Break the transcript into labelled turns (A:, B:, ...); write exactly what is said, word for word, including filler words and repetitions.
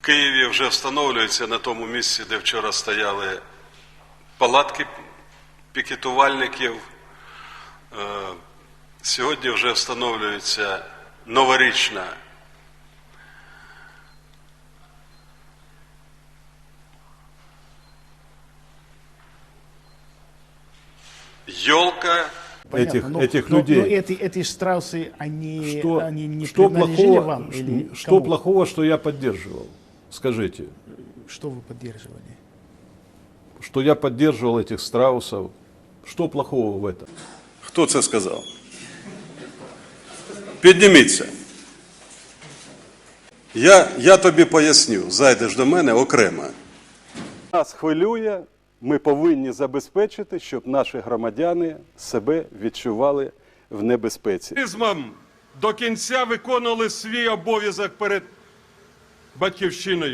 A: В Києві вже встановлюється на тому місці, де вчора стояли палатки пікетувальників. Сьогодні вже встановлюється новорічна елка.
B: Этих,
C: но,
B: этих
C: но,
B: людей.
C: Но эти, эти страусы, они,
B: Что,
C: они не
B: что
C: принадлежали
B: плохого,
C: вам? Или
B: что
C: кому?
B: плохого, что я поддерживал? Скажите,
C: Что вы поддерживали?
B: что я поддерживал этих страусов? Что плохого в этом?
A: Хто це сказав? Підніміться. Я, я тобі поясню, зайдеш до мене окремо.
D: Нас хвилює, ми повинні забезпечити, щоб наші громадяни себе відчували в небезпеці.
E: До кінця виконували свій обов'язок перед Батьківщиною.